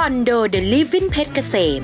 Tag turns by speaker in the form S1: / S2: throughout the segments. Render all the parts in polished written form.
S1: อนโดเดลิฟวินเพชรเกษม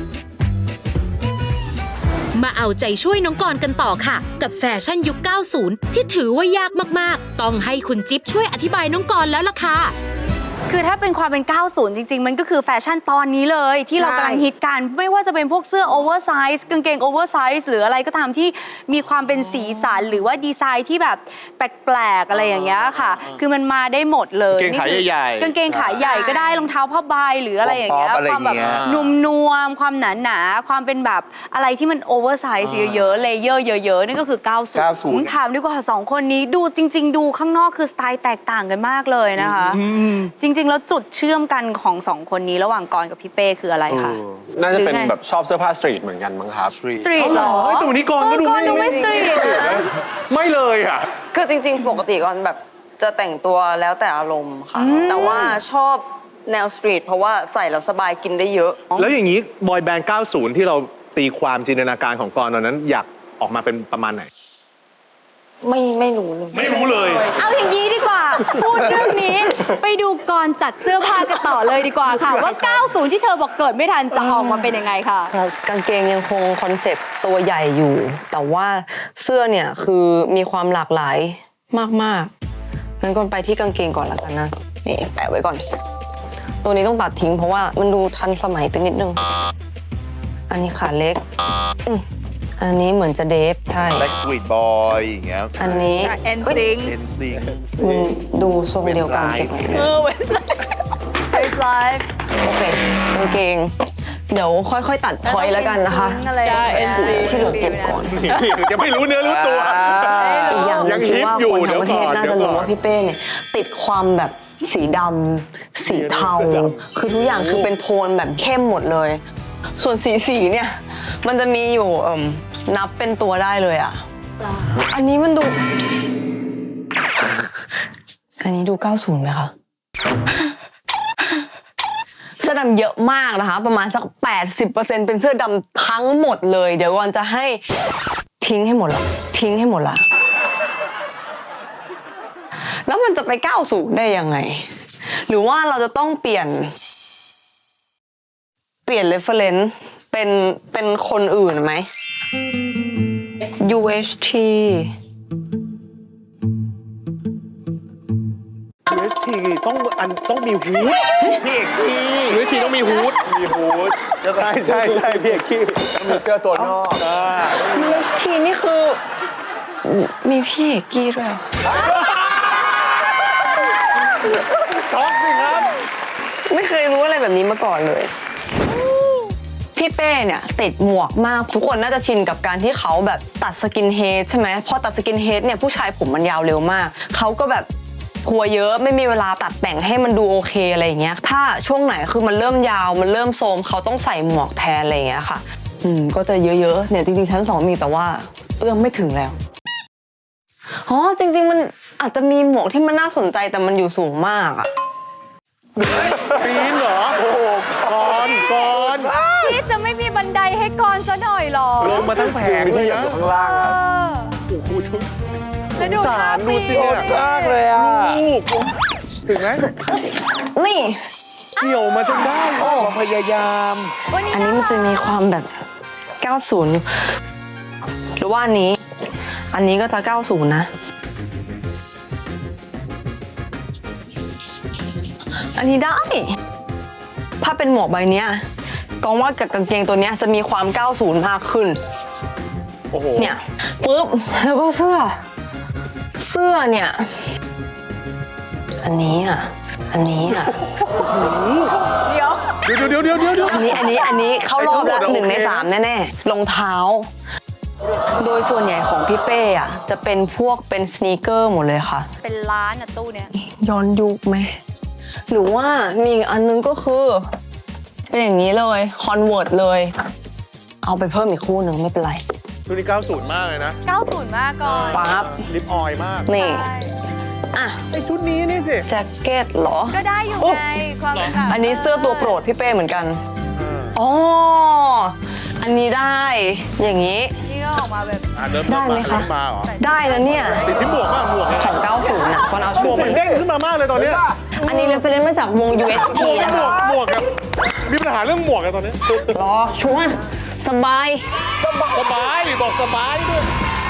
S1: มาเอาใจช่วยน้องกรกันต่อค่ะกับแฟชั่นยุค 90 ที่ถือว่ายากมากๆต้องให้คุณจิ๊บช่วยอธิบายน้องกรแล้วล่ะค่ะ
S2: คือถ้าเป็นความเป็น 90 จริงๆ มันก็คือแฟชั่นตอนนี้เลยที่เรากำลังฮิตกันไม่ว่าจะเป็นพวกเสื้อโอเวอร์ไซส์กางเกงโอเวอร์ไซส์หรืออะไรก็ตามที่มีความเป็นสีสันหรือว่าดีไซน์ที่แบบแปลกๆอะไรอย่างเงี้ยค่ะคือมันมาได้หมดเลย
S3: กางเกงขาใหญ่
S2: กางเกงขาใหญ่ก็ได้รองเท้าผ้าใบหรืออะไรอย่างเงี้ยความแบบนุ่มนวลความหนาๆความเป็นแบบอะไรที่มันโอเวอร์ไซส์เยอะๆเลเยอร์เยอะๆนี่ก็คือ 90 ถามดีกว่า2 คนนี้ดูจริงๆดูข้างนอกคือสไตล์แตกต่างกันมากเลยนะคะจริงๆแล้วจุดเชื่อมกันของ2 คนนี้ระหว่างกรกับพี่เป้คืออะไรคะ
S4: น่าจะเป็นแบบชอบเสื้อผ้าสตรีทเหมือนกันมั้งครับ
S2: สตรีทหรอ
S5: แต่วันนี้กรก็
S2: ดูไม่สตรีทนะ
S5: ไม่เลยอ่ะ
S6: คือจริงๆปกติก่อนแบบจะแต่งตัวแล้วแต่อารมณ์ค่ะแต่ว่าชอบแนวสตรีทเพราะว่าใส่แล้วสบายกินได้เยอะ
S5: แล้วอย่างนี้บอยแบนด์ 90 ที่เราตีความจินตนาการของกรตอนนั้นอยากออกมาเป็นประมาณไหน
S6: ไม่รู้เลย
S5: ไม่รู้เลย
S2: เอาอย่างนี้ดีกว่าพูดเรื่องนี้ไปดูกรจัดเสื้อผ้ากันต่อเลยดีกว่าค่ะว่า 90 ที่เธอบอกเกิดไม่ทันจะออกมาเป็นยังไงค่ะ
S6: กางเกงยังคงคอนเซปต์ตัวใหญ่อยู่แต่ว่าเสื้อเนี่ยคือมีความหลากหลายมากๆงั้นก่อนไปที่กางเกงก่อนละกันนะนี่แปะไว้ก่อนตัวนี้ต้องตัดทิ้งเพราะว่ามันดูทันสมัยไปนิดนึงอันนี้ขาเล็กอันนี้เหมือนจะเดฟใช่
S3: Backstreet Boy อย่างเงี้ย
S6: อันนี้
S2: NSYNC
S6: มันดูทรงเดียวกันเก็บไว้
S2: Westlife
S6: โอเคกางเกงเดี๋ยวค่อยๆตัดช้อยแล้วกันนะคะที่เหลือเก็บก่อน
S5: ยังไม่รู้เนื้อรู้ตัว
S6: อีกอย่างนึงคือว่าคนทั้งประเทศน่าจะรู้ว่าพี่เป้เนี่ยติดความแบบสีดำสีเทาคือทุกอย่างคือเป็นโทนแบบเข้มหมดเลยส่วนสีเนี่ยมันจะมีอยู่นับเป็นตัวได้เลยอ่ะอันนี้มันดูอันนี้ดู 90 ไหมคะเสื้อดำเยอะมากนะคะประมาณสัก 80% เป็นเสื้อดำทั้งหมดเลยเดี๋ยวก่อนจะให้ทิ้งให้หมดละแล้วมันจะไป90ได้ยังไงหรือว่าเราจะต้องเปลี่ยน reference เป็นคนอื่นไหม UHT
S5: ต้องมีฮูด
S3: พี่เอกกี้
S5: UHT ต้องมีฮูดใช่พี่เอกกี้
S4: ต้องมีเสื้อตัวนอก
S6: UHT นี่คือมีพี่เอกกี้ด้วย
S5: ช็อกสิครับ
S6: ไม่เคยรู้อะไรแบบนี้มาก่อนเลยพี่เป้เนี่ยติดหมวกมากทุกคนน่าจะชินกับการที่เขาแบบตัดสกินเฮดใช่ไหมพอตัดสกินเฮดเนี่ยผู้ชายผมมันยาวเร็วมากเขาก็แบบทัวร์เยอะไม่มีเวลาตัดแต่งให้มันดูโอเคอะไรอย่างเงี้ยถ้าช่วงไหนคือมันเริ่มยาวมันเริ่มโทรมเขาต้องใส่หมวกแทนอะไรอย่างเงี้ยค่ะก็จะเยอะๆเนี่ยจริงๆชั้น2มีแต่ว่าเอื้อมไม่ถึงแล้วอ๋อจริงๆมันอาจจะมีหมวกที่มันน่าสนใจแต่มันอยู่สูงมากอะ
S5: ปีนเหรอโอ้กร
S2: พี่จะไม่มีบันไดให้กรซะหน่อยหรอ
S5: ลงมาทั้งแผงเลยนะ
S4: ข้างล่าง
S5: โอ้โห
S2: แล้วดูท่าปีน
S3: มากเลยอ่ะ
S5: ถึงไหม
S6: นี่
S5: เสี่ยวมาจนได้
S3: ความพยายาม
S6: อันนี้มันจะมีความแบบ 90 หรือว่าอันนี้ก็จะ 90 นะอันนี้ได้ถ้าเป็นหมวกใบเนี้ยกองว่ากับกางเกงตัวเนี้ยจะมีความ 90 มากขึ้น
S5: โอ้โห
S6: เนี่ยปุ๊บแล้วก็เสื้อเนี่ยอันนี้อ่ะ
S2: เดี๋ยว
S6: อันนี้เข้ารอบแล้ว1 ใน 3แน่ๆรองเท้าโดยส่วนใหญ่ของพี่เป้อ่ะจะเป็นพวกเป็นสนีกเกอร์หมดเลยค่ะ
S2: เป็นร้านอะตู้เนี้ย
S6: ย้อนยุคไหมหรือว่ามีอีกอันนึงก็คือเป็นอย่างนี้เลยคอนเวิร์ตเลยเอาไปเพิ่มอีกคู่หนึ่งไม่เป็นไร
S5: ชุดนี้ 90 มากเลยนะ
S2: 90 มากก่อน
S6: ปั๊บ
S5: ลิปออยมาก
S6: นี่อ่ะ
S5: ไอชุดนี้นี่สิ
S6: แจ็คเก็ตเหรอ
S2: ก็ได้อยู่ไงความแบบ
S6: อันนี้เสื้อตัวโปรดพี่เป้เหมือนกันอ๋ออันนี้ได้อย่างนี้
S2: นี่ก็ออกมาแบบ
S6: ได้ไหมคะได้แล้วเนี่ย
S5: ติดที่หมวกมากหมวก
S6: ของ 90 น่ะก่อนเอาช่วง
S5: มันเด้งขึ้นมามากเลยตอนนี้
S6: อันนี้เรฟเฟรนซ์มาจากวง UHT นะคะ
S5: หมวกอะมีปัญหาเรื่องหมวกอะตอนนี้
S6: รอชัวร์สบาย
S5: สบายบอกสบายด้วย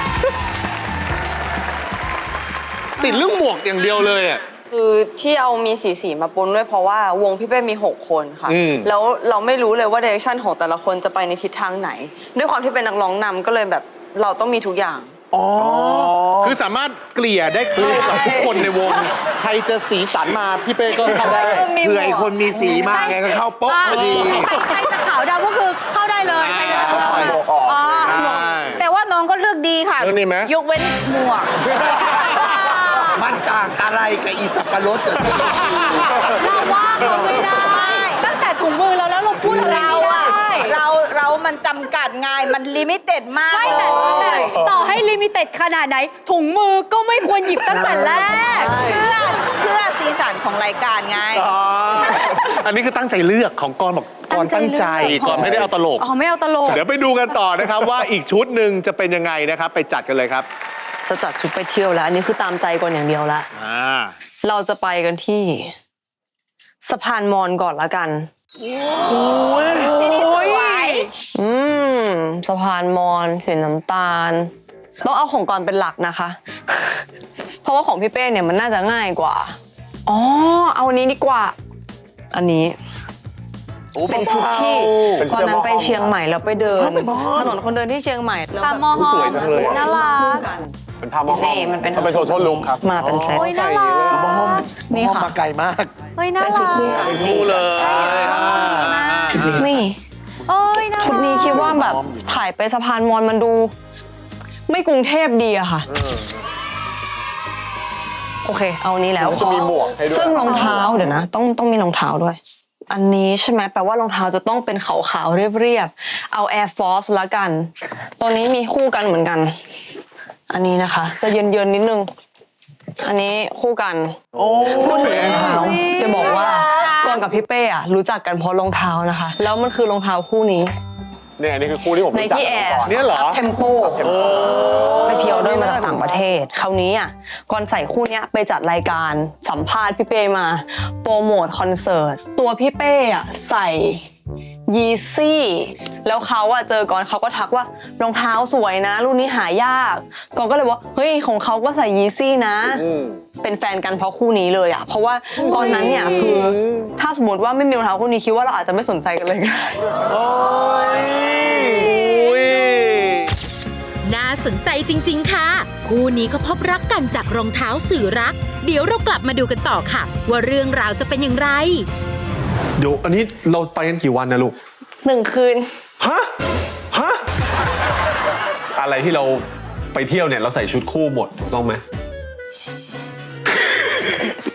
S5: ติดเรื่องหมวกอย่างเดียวเลยอะ
S6: คือที่เอามีสีมาปนด้วยเพราะว่าวงพี่เป้มี 6 คนค่ะ
S5: อืม
S6: แล้วเราไม่รู้เลยว่าเดเรคชั่นของแต่ละคนจะไปในทิศทางไหน ด้วยความที่เป็นนักร้องนำก็เลยแบบเราต้องมีทุกอย่าง
S5: อ๋อ คือสามารถเกลี่ยได้เข้ากับทุกคนในวง ใครจะสีสันมาพี่เป้ก็เข้าได้
S3: เผื่อไอ้คนมีสีมากไงก็เข้าโป๊ะพอดี
S2: ใครจะขาวดำก็คือเข้าได้เลยใครจะขาว
S4: หมวกออก
S2: อ๋อ
S5: ใช่
S2: แต่ว่าน้องก็เลือกดีค่ะ
S5: เลือกดีไหม
S2: ยกเว้นหมวก
S3: มันต่างอะไรกับอีสับปะรดเกิดขึ้น
S2: เราว่าเขาไม่ได้ ตั้งแต่ถุงมือเราแล้วเราพูดอะไร
S7: เรา
S2: ไม่
S7: อะ
S2: ได้
S7: เรามันจำกัดไงมันลิมิเต็ดมาก
S2: ไม่
S7: เล
S2: แต่
S7: ย
S2: ต่อให้ลิมิเต็ดขนาดไหน ถุงมือก็ไม่ควรหยิบตั้งแต่แรก
S7: เพื่อสีสันของรายการไง
S5: อันนี้คือตั้งใจเลือกของกรบอกกรตั้งใจกรไม่ได้เอาตลก
S2: อ๋อไม่เอาตลก
S5: เดี๋ยวไปดูกันต่อนะครับว่าอีกชุดหนึ่งจะเป็นยังไงนะครับ ไปจัดกันเลยครับ
S6: จะจัดชุดไปเที่ยวแล้ว อันนี้คือตามใจก่อนอย่างเดียวละ เราจะไปกันที่สะพานมอญก่อนละกัน
S7: ที่นี่สวย
S6: สะพานมอญสีน้ำตาล ต้องเอาของก่อนเป็นหลักนะคะ เพราะว่าของพี่เป้เนี่ยมันน่าจะง่ายกว่า อ๋อ เอาอันนี้ดีกว่า อันนี้ เป็นชุดที่
S4: เป็น
S6: ตอ
S4: เสื้
S6: น
S4: อ
S6: นั้น
S4: หม้อ
S6: ไปเชียงใหม่แล้วไปเดินถนนคนเดินที่เชียงใหม่แล้ว
S2: ตาม
S6: แบบ
S2: มอหอ
S5: สวยจังเลย
S2: น่ารัก
S4: เป็นผ้าหม้อห้อ
S6: นี่มันเป็น
S4: เป็นโททอลลุคครับ
S6: มาเป็นเซต
S2: โอ้ยน่ารัก
S6: นี่
S3: ห้อง
S6: ค่ะ
S3: มาไกลมาก
S2: เฮ้ยน่า
S6: เป็นชุด
S2: รัก
S6: คู่
S5: ดูเลย
S6: นี่
S2: โอ้ยน่ารัก
S6: ชุดนี้คิดว่าแบบถ่ายไปสะพานมอญมันดู ไม่กรุงเทพดีอะค่ะ โอเค เอานี้แล้ว
S4: จะมีหมวกให้ด้วย
S6: ซึ่งรองเท้าเดี๋ยวนะ ต้องมีรองเท้าด้วย อันนี้ใช่ไหมแปลว่ารองเท้าจะต้องเป็นขาวๆเรียบๆเอา Air Force ละกัน ตัวนี้มีคู่กันเหมือนกัน อันนี้นะคะจะเยินๆนิดนึง อันนี้คู่กันพูดถึงรองเท้าจะบอกว่าก่อนกับพี่เป้อะรู้จักกันเพราะรองเท้านะคะ แล้วมันคือรองเท้าคู่นี้
S4: เนี่ยอันนี้คือคู่ที่ผม
S6: ใน
S4: รู้จัก
S6: ที่แอร์
S4: ก่อน
S5: เนี่ยเหรอ
S6: เทมโปไปพิออเดอร์มาจากต่างประเทศ คราวนี้อ่ะก่อนใส่คู่เนี้ยไปจัดรายการสัมภาษณ์พี่เป้มาโปรโมทคอนเสิร์ตตัวพี่เป้อ่ะใส่ยีซี่แล้วเขาอ่ะเจอก่อนเขาก็ทักว่ารองเท้าสวยนะรุ่นนี้หายากก่อนก็เลยว่าเฮ้ยของเขาก็ใส่ยีซี่นะ เป็นแฟนกันเพราะคู่นี้เลยอ่ะเพราะว่าตอนนั้นเนี่ยคือถ้าสมมติว่าไม่มีรองเท้าคู่นี้คิดว่าเราอาจจะไม่สนใจกันเลยก็ได้
S3: โอ้ย
S1: น่าสนใจจริงๆค่ะ คู่นี้เขาพบรักกันจากรองเท้าสื่อรัก เดี๋ยวเรากลับมาดูกันต่อค่ะ ว่าเรื่องราวจะเป็นอย่างไร
S5: เดี๋ยวอันนี้เราไปกันกี่วันนะลูก
S6: 1 คืน
S5: ฮะ ฮะ อะไรที่เราไปเที่ยวเนี่ยเราใส่ชุดคู่หมดถูกต้องไหม